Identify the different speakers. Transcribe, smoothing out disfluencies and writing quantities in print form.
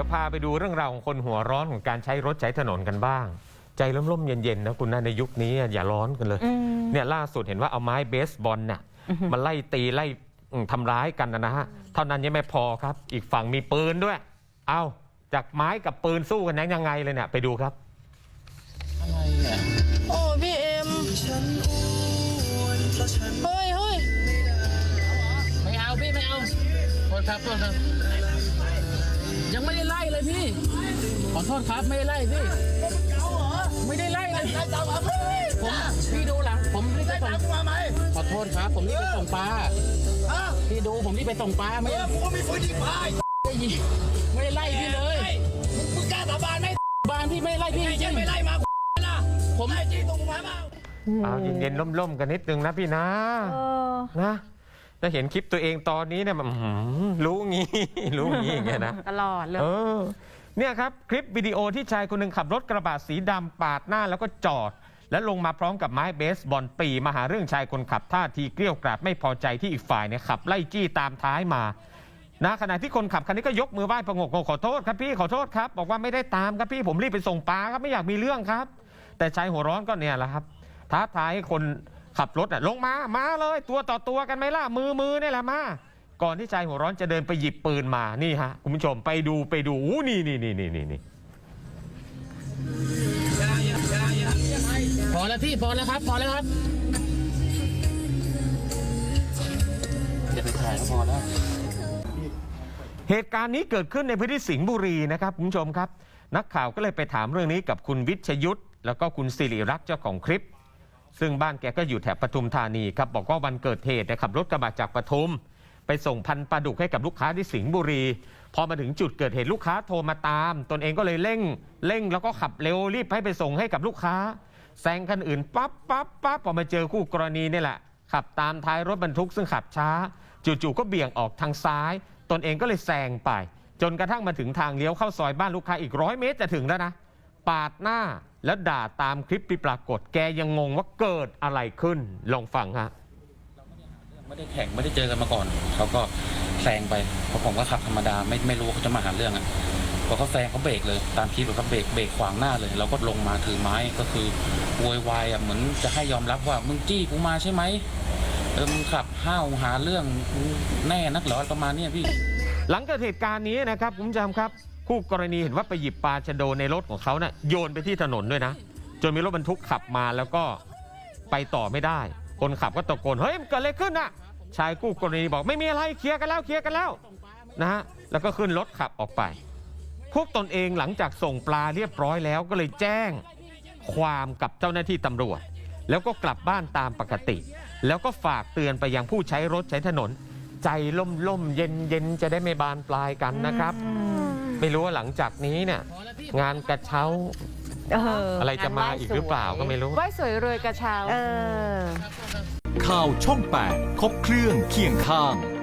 Speaker 1: พาไปดูเรื่องราวของคนหัวร้อนของการใช้รถใช้ถนนกันบ้างใจร่มๆเย็นๆนะคุณนะในยุคนี้อย่าร้อนกันเลยเนี่ยล่าสุดเห็นว่าเอาไม้เบสบอลเนี่ยมาไล่ตีไล่ทำร้ายกันนะฮะเท่านั้นยังไม่พอครับอีกฝั่งมีปืนด้วยเอาจากไม้กับปืนสู้กันยังไงเลยเนี่ยไปดูครับ
Speaker 2: อะไรเนี่ย
Speaker 3: โอ้พี่เอ็มเฮ้ย
Speaker 2: ไม่เอาพี่ไม่เอาโทษครับยังไม่ได้ไล่เลยพี่ขอโทษครับไม่ได้ไล่พี่ไม่ได้ไล่เลยผมพี่ดูหลังผมรีบไปส่งขอโทษครับผมรีบไปส่งปลาพี่ดูผมรีบไปส่งปลาไม่
Speaker 4: กูมีปืนยิงปลา
Speaker 2: ไม่ได้ไล่พี่เลย
Speaker 4: มึงกล้าสาบานไหม
Speaker 2: บานพี่ไม่ไล่พี่จริง
Speaker 4: ไม่ไล่มาล่ะผมไล่จริงตรงมาเปล่า
Speaker 1: เอาเย็นๆล่มๆกันนิดนึงนะพี่นะนะถ้าเห็นคลิปตัวเองตอนนี้เนี่ยรู้งี้อย่างเงี้ยนะ
Speaker 3: ตลอดเลย
Speaker 1: เนี่ยครับคลิปวิดีโอที่ชายคนหนึ่งขับรถกระบะสีดำปาดหน้าแล้วก็จอดและลงมาพร้อมกับไม้เบสบอลปรีมาหาเรื่องชายคนขับท่าทีเกลี้ยวกราดไม่พอใจที่อีกฝ่ายเนี่ยขับไล่จี้ตามท้ายมานะขณะที่คนขับคันนี้ก็ยกมือไหว้ประงกขอโทษครับพี่ขอโทษครับบอกว่าไม่ได้ตามครับพี่ผมรีบไปส่งปลาครับไม่อยากมีเรื่องครับแต่ชายหัวร้อนก็เนี่ยแหละครับท้าทายให้คนขับรถลงมาเลยตัวต่อตัวกันไหมล่ะมือนี่แหละมาก่อนที่ชายหัวร้อนจะเดินไปหยิบปืนมานี่ฮะคุณผู้ชมไปดูนี่
Speaker 2: พอแล้วพี่พอแล้วครับจะไปถ่ายก็พอแล้ว
Speaker 1: เหตุการณ์นี้เกิดขึ้นในพื้นที่สิงห์บุรีนะครับคุณผู้ชมครับนักข่าวก็เลยไปถามเรื่องนี้กับคุณวิชยุทธแล้วก็คุณสิริรักษ์เจ้าของคลิปซึ่งบ้านแกก็อยู่แถบปทุมธานีครับบอกว่าวันเกิดเหตุขับรถกระบะจากปทุมไปส่งพันปลาดุกให้กับลูกค้าที่สิงห์บุรีพอมาถึงจุดเกิดเหตุลูกค้าโทรมาตามตนเองก็เลยเร่งแล้วก็ขับเร็วรีบให้ไปส่งให้กับลูกค้าแซงคันอื่นปั๊บพอมาเจอคู่กรณีนี่แหละขับตามท้ายรถบรรทุกซึ่งขับช้าจู่ๆก็เบี่ยงออกทางซ้ายตนเองก็เลยแซงไปจนกระทั่งมาถึงทางเลี้ยวเข้าซอยบ้านลูกค้าอีก100 เมตรจะถึงแล้วนะปาดหน้าแล้วด่าตามคลิปที่ปรากฏแกยังงงว่าเกิดอะไรขึ้นลองฟังฮะ
Speaker 2: ไม่ได้แข่งไม่ได้เจอกันมาก่อนเขาก็แซงไปเพราะผมก็ขับธรรมดาไม่รู้เขาจะมาหาเรื่องอ่ะพอเขาแซงเขาเบรกเลยตามคลิปเขาเบรกขวางหน้าเลยเราก็ลงมาถือไม้ก็คือโวยวายอ่ะเหมือนจะให้ยอมรับว่ามึงจี้กูมาใช่ไหมมึงขับห้าวหาเรื่องแน่นักเหรอประมาณนี้พี่
Speaker 1: หลังเกิดเหตุการณ์นี้นะครับคุณผู้ชมครับคู่กรณีเห็นว่าไปหยิบปลาชะโดในรถของเขาเนี่ยโยนไปที่ถนนด้วยนะจนมีรถบรรทุกขับมาแล้วก็ไปต่อไม่ได้คนขับก็ตะโกนเฮ้ยมันเกิดอะไรขึ้นน่ะชายคู่กรณีบอกไม่มีอะไรเคลียร์กันแล้วนะฮะแล้วก็ขึ้นรถขับออกไปพวกตนเองหลังจากส่งปลาเรียบร้อยแล้วก็เลยแจ้งความกับเจ้าหน้าที่ตำรวจแล้วก็กลับบ้านตามปกติแล้วก็ฝากเตือนไปยังผู้ใช้รถใช้ถนนใจล่มเย็นจะได้ไม่บานปลายกันนะครับไม่รู้ว่าหลังจากนี้เนี่ยงานกระเช้าอะไรจะมาอีกหรือเปล่าก็ไม่รู้
Speaker 3: ไหว้สวยรวยกระเช้า
Speaker 5: ข่าวช่อง 8 ครบเครื่องเคียงข้าง